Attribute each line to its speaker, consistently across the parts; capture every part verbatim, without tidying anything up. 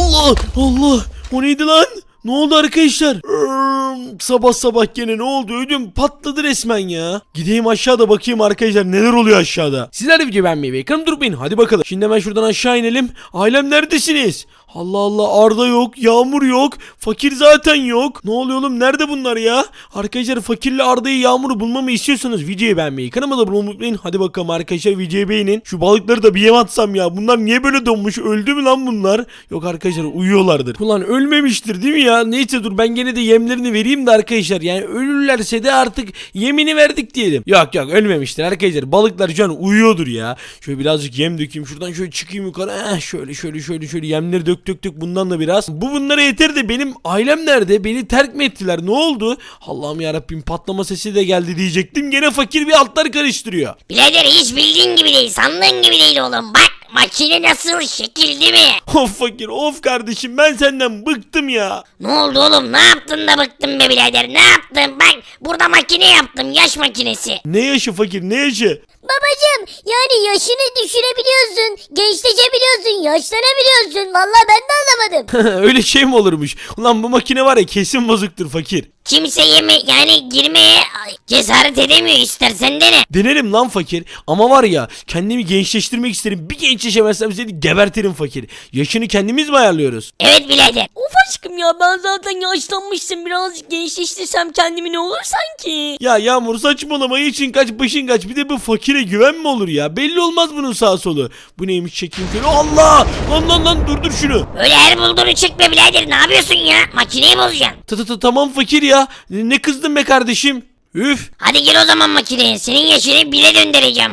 Speaker 1: Allah Allah, o neydi lan? Ne oldu arkadaşlar? Irm, sabah sabah gene ne oldu? Ödüm patladı resmen ya. Gideyim aşağıda bakayım arkadaşlar neler oluyor aşağıda. Sizler de video beğenmeyi ve ekranı durmayın. Hadi bakalım. Şimdi hemen şuradan aşağı inelim. Ailem neredesiniz? Allah Allah, Arda yok, Yağmur yok, Fakir zaten yok. Ne oluyor oğlum, nerede bunlar ya? Arkadaşlar Fakirle Arda'yı, Yağmur'u bulmamı istiyorsanız videoyu beğenmeyi, kanalıma da abone olmayı unutmayın. Hadi bakalım arkadaşlar, videoyu beğenin. Şu balıkları da bir yem atsam ya. Bunlar niye böyle donmuş? Öldü mü lan bunlar? Yok arkadaşlar, uyuyorlardır. Ulan ölmemiştir değil mi ya? Neyse dur, ben gene de yemlerini vereyim de arkadaşlar. Yani ölürlerse de artık yemini verdik diyelim. Yok yok, ölmemiştir arkadaşlar. Balıklar şu an uyuyordur ya. Şöyle birazcık yem dökeyim. Şuradan şöyle çıkayım yukarı. Eh, şöyle şöyle şöyle şöyle yemleri dök dök dök bundan da biraz. Bu bunlara yeter de benim ailem nerede? Beni terk mi ettiler? Ne oldu? Allah'ım yarabbim, patlama sesi de geldi diyecektim. Gene Fakir bir altlar karıştırıyor.
Speaker 2: Birader hiç bildiğin gibi değil, sandığın gibi değil oğlum. Bak makine nasıl, şekil değil mi?
Speaker 1: Of Fakir, of kardeşim, ben senden bıktım ya.
Speaker 2: Ne oldu oğlum, ne yaptın da bıktın be birader, ne yaptın? Bak burada makine yaptım, yaş makinesi.
Speaker 1: Ne yaşı Fakir, ne yaşı?
Speaker 3: Babacım, yani yaşını düşürebiliyorsun, gençleşebiliyorsun, yaşlanabiliyorsun. Vallahi ben de anlamadım.
Speaker 1: Öyle şey mi olurmuş? Ulan bu makine var ya, kesin bozuktur Fakir.
Speaker 2: Kimse yeme yani girmeye cesaret edemiyor, istersen dene.
Speaker 1: Denerim lan Fakir, ama var ya, kendimi gençleştirmek isterim. Bir gençleşemezsem seni gebertirim Fakir. Yaşını kendimiz mi ayarlıyoruz?
Speaker 2: Evet birader.
Speaker 4: Of aşkım ya, ben zaten yaşlanmıştım, birazcık gençleştirsem kendimi ne olur sanki.
Speaker 1: Ya Yağmur saçmalama, için kaç başın kaç, bir de bu Fakire güven mi olur ya? Belli olmaz bunun sağ solu. Bu neymiş, çekeyim şöyle. Allah! Lan lan lan, durdur şunu.
Speaker 2: Öyle her bulduğunu çekme birader, ne yapıyorsun ya? Makineyi bozacaksın.
Speaker 1: Ta ta ta tamam Fakir ya. Ne kızdın be kardeşim? Üf.
Speaker 2: Hadi gir o zaman makineye, senin yaşını bire döndüreceğim.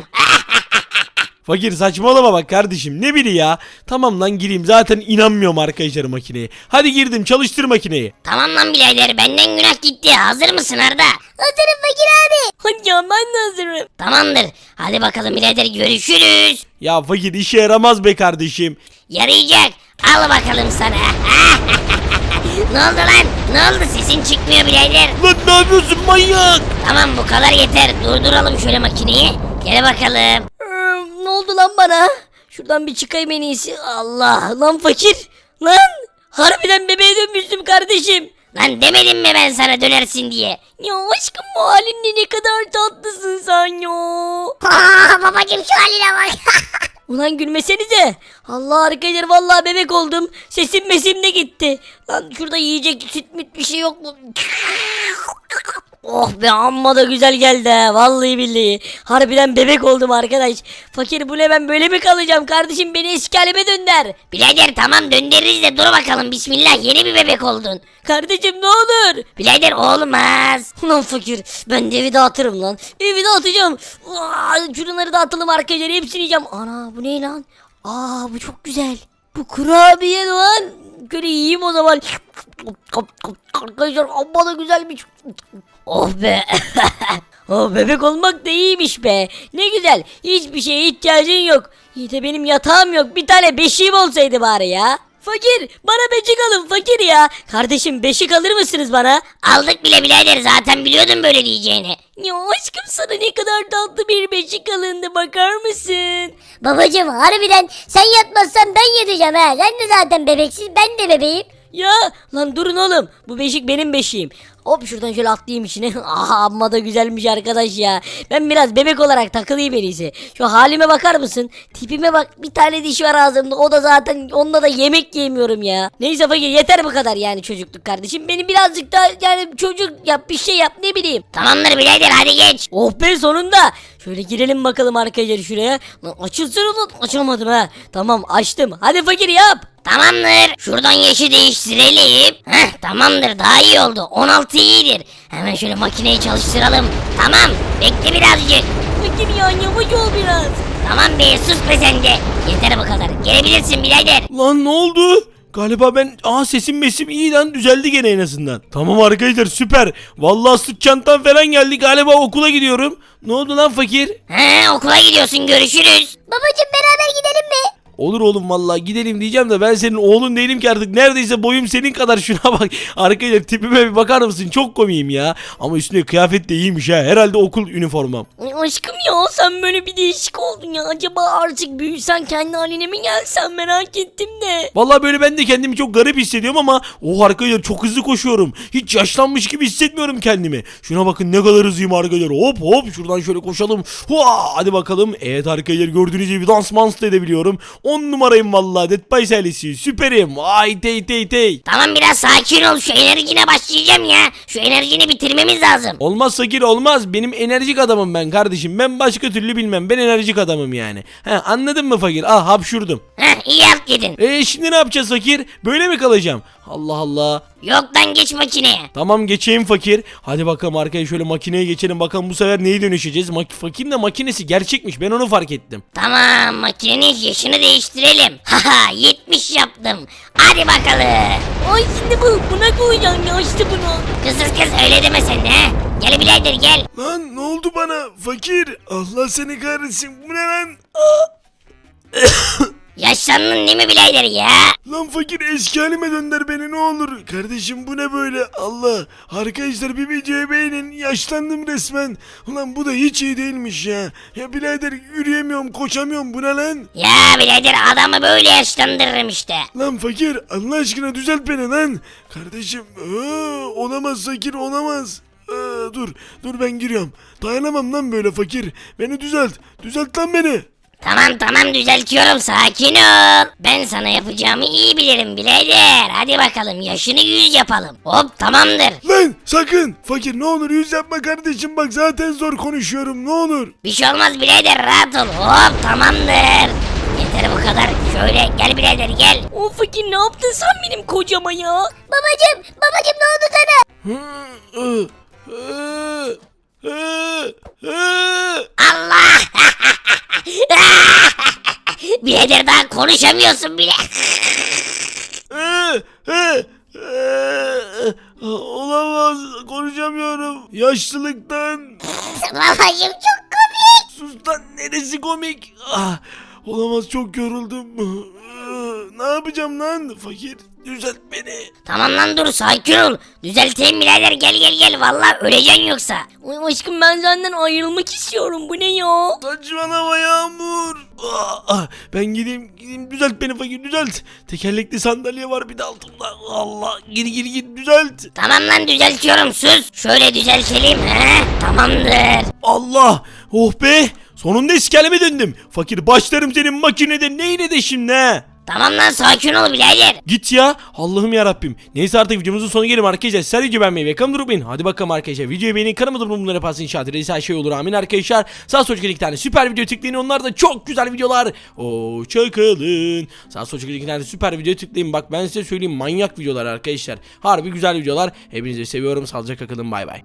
Speaker 1: Fakir saçmalama bak kardeşim, ne biri ya. Tamam lan, gireyim, zaten inanmıyorum arkadaşlar makineye. Hadi girdim, çalıştır makineyi.
Speaker 2: Tamam lan birader, benden günah gitti. Hazır mısın Arda?
Speaker 3: Hazırım Fakir abi.
Speaker 4: Hadi ya, ben de hazırım.
Speaker 2: Tamamdır. Hadi bakalım birader, görüşürüz.
Speaker 1: Ya Fakir, işe yaramaz be kardeşim.
Speaker 2: Yarayacak. Al bakalım sana. Ne oldu lan? Ne oldu? Sesin çıkmıyor birader.
Speaker 1: Lan ne yapıyorsun manyak?
Speaker 2: Tamam, bu kadar yeter. Durduralım şöyle makineyi. Gel bakalım.
Speaker 4: Ee, ne oldu lan bana? Şuradan bir çıkayım en iyisi. Allah lan Fakir. Lan harbiden bebeğe dönmüştüm kardeşim.
Speaker 2: Lan demedim mi ben sana dönersin diye?
Speaker 4: Ya aşkım, bu halinle ne kadar tatlısın sen ya.
Speaker 3: Aa, babacım şu haline bak.
Speaker 4: Ulan gülmesenize. Allah arkadaşlar, vallahi bebek oldum. Sesim mesim de gitti. Lan şurada yiyecek süt müt bir şey yok mu? Oh be, amma da güzel geldi ha. Vallahi billahi. Harbiden bebek oldum arkadaş. Fakir, bu ne, ben böyle mi kalacağım kardeşim, beni eski halime dönder.
Speaker 2: Birader tamam, döndürürüz de dur bakalım, bismillah, yeni bir bebek oldun.
Speaker 4: Kardeşim ne olur.
Speaker 2: Birader olmaz.
Speaker 4: Ulan Fakir, ben de evi dağıtırım lan. Evi dağıtacağım. Aa, şunları dağıtalım arkadaşlar, hepsini yiyeceğim. Ana, bu ne lan? Aa, bu çok güzel. Bu kurabiye lan. Böyle yiyeyim o zaman. Arkadaşlar amma da güzelmiş. Oh be. Oh, bebek olmak da iyiymiş be. Ne güzel. Hiçbir şeye ihtiyacın yok. İyi de benim yatağım yok. Bir tane beşiğim olsaydı bari ya. Fakir, bana beşik alın Fakir ya. Kardeşim, beşik alır mısınız bana?
Speaker 2: Aldık bile birader, zaten biliyordum böyle diyeceğini.
Speaker 4: Ya aşkım, sana ne kadar tatlı bir beşik alındı, bakar mısın?
Speaker 3: Babacım, harbiden sen yatmazsan ben yatacağım ha. Sen de zaten bebeksiz, ben de bebeğim.
Speaker 4: Ya lan durun oğlum, bu beşik benim beşiğim. Hop, şuradan şöyle atlayayım içine. Aha, amma da güzelmiş arkadaş ya. Ben biraz bebek olarak takılayım en iyisi. Şu halime bakar mısın? Tipime bak, bir tane diş var ağzımda. O da zaten, onunla da yemek yemiyorum ya. Neyse Fakir, yeter bu kadar yani çocukluk kardeşim. Beni birazcık daha yani çocuk yap, bir şey yap, ne bileyim.
Speaker 2: Tamamdır birader, hadi geç.
Speaker 4: Oh be, sonunda. Şöyle girelim bakalım arkadaşlar şuraya. Lan açılsın ulan, açamadım ha. Tamam, açtım. Hadi Fakir yap.
Speaker 2: Tamamdır. Şuradan yaşı değiştirelim. Heh, tamamdır, daha iyi oldu. on altı iyidir. Hemen şöyle makineyi çalıştıralım. Tamam, bekle birazcık.
Speaker 4: Fakir ya, yavaş ol biraz.
Speaker 2: Tamam be, sus be sen de. Yeter bu kadar. Gelebilirsin birader.
Speaker 1: Lan ne oldu? Galiba ben, aa sesim mesim iyi lan, düzeldi gene en azından. Tamam arkadaşlar, süper. Vallahi sırt çantam falan geldi, galiba okula gidiyorum. Ne oldu lan Fakir?
Speaker 2: He, okula gidiyorsun, görüşürüz.
Speaker 3: Babacım, beraber gidelim mi?
Speaker 1: Olur oğlum vallahi gidelim diyeceğim de ben senin oğlun değilim ki artık. Neredeyse boyum senin kadar, şuna bak. Arkadaşlar tipime bir bakar mısın? Çok komiyim ya. Ama üstüne kıyafet de iyiymiş ha. Herhalde okul üniformam.
Speaker 4: Ay aşkım ya sen böyle bir değişik oldun ya. Acaba artık büyüsen kendi haline mi gelsen merak ettim de.
Speaker 1: Vallahi böyle ben de kendimi çok garip hissediyorum ama o arkadaşlar çok hızlı koşuyorum. Hiç yaşlanmış gibi hissetmiyorum kendimi. Şuna bakın ne kadar hızlıyım arkadaşlar. Hop hop şuradan şöyle koşalım. Hua, hadi bakalım. Evet arkadaşlar gördüğünüz gibi dans mans da edebiliyorum. on numarayım vallahi. Dead by Silence'i süperim. Ay tey tey tey.
Speaker 2: Tamam biraz sakin ol, şu enerjine başlayacağım ya. Şu enerjini bitirmemiz lazım.
Speaker 1: Olmaz Sakir olmaz. Benim enerjik adamım ben kardeşim. Ben başka türlü bilmem. Ben enerjik adamım yani. He, anladın mı fakir? Ah hapşurdum.
Speaker 2: Heh iyi halt yedin.
Speaker 1: Eee şimdi ne yapacağız fakir? Böyle mi kalacağım? Allah Allah.
Speaker 2: Yok lan geç makineye.
Speaker 1: Tamam geçeyim fakir. Hadi bakalım arkaya şöyle makineye geçelim. Bakalım bu sefer neyi dönüşeceğiz? Mak fakirin de makinesi gerçekmiş. Ben onu fark ettim.
Speaker 2: Tamam makinenin yaşını değiştirelim. Haha yetmiş yaptım. Hadi bakalım.
Speaker 4: Ay şimdi bu buna koyacaksın ya işte bunu.
Speaker 2: Kızız kız öyle deme sen de he. Gel birader gel.
Speaker 1: Lan ne oldu bana? Fakir. Allah seni kahretsin. Bu ne lan?
Speaker 2: Yaşlandın değil mi birader ya?
Speaker 1: Lan fakir eski halime dönder beni ne olur. Kardeşim bu ne böyle? Allah. Arkadaşlar bir videoyu beğenin. Yaşlandım resmen. Ulan bu da hiç iyi değilmiş ya. Ya birader yürüyemiyorum, koşamıyorum. Bu ne lan?
Speaker 2: Ya birader adamı böyle yaşlandırırım işte.
Speaker 1: Lan fakir Allah aşkına düzelt beni lan. Kardeşim aa, olamaz fakir olamaz. Aa, dur dur ben giriyorum. Dayanamam lan böyle fakir. Beni düzelt. Düzelt lan beni.
Speaker 2: Tamam tamam düzeltiyorum sakin ol. Ben sana yapacağımı iyi bilirim birader. Hadi bakalım yaşını yüz yapalım. Hop tamamdır.
Speaker 1: Lan sakın. Fakir ne olur yüz yapma kardeşim bak zaten zor konuşuyorum ne olur.
Speaker 2: Bir şey olmaz birader rahat ol. Hop tamamdır. Yeter bu kadar. Şöyle gel birader gel.
Speaker 4: O fakir ne yaptın sen benim kocama ya?
Speaker 3: Babacım babacım ne oldu sana?
Speaker 2: Allah. Birader daha konuşamıyorsun bile.
Speaker 1: Olamaz konuşamıyorum. Yaşlılıktan.
Speaker 3: Babacım çok komik.
Speaker 1: Sus lan neresi komik? Ah, olamaz çok yoruldum. Ne yapacağım lan fakir? Düzelt beni.
Speaker 2: Tamam lan dur sakin ol. Düzelteyim birader gel gel gel. Vallahi öleceksin yoksa.
Speaker 4: Ay aşkım ben senden ayrılmak istiyorum bu ne ya?
Speaker 1: Saçmalama Yağmur. Ah, ah, ben gideyim gideyim düzelt beni fakir düzelt. Tekerlekli sandalye var bir de altımda. Allah gir gir gir düzelt.
Speaker 2: Tamam lan düzeltiyorum sus. Şöyle düzeltelim he. Tamamdır.
Speaker 1: Allah oh be. Sonunda eski halime döndüm. Fakir başlarım senin makinede neyine de şimdi he.
Speaker 2: Tamam lan sakin ol birader.
Speaker 1: Git ya. Allah'ım ya Rabbim. Neyse artık videomuzun sonuna gelelim arkadaşlar. Sizler video beğenmeyi ve kanalıma durmayın. Hadi bakalım arkadaşlar. Videoyu beğenin. Kanalıma durmayın. Bunları yaparsın inşaat ederiz. Her şey olur. Amin arkadaşlar. Sağ sol iki tane süper video tıklayın. Onlar da çok güzel videolar. Hoşçakalın. Sağ sol iki tane süper video tıklayın. Bak ben size söyleyeyim. Manyak videolar arkadaşlar. Harbi güzel videolar. Hepinizi seviyorum. Sağlıcakla kalın. Bay bay.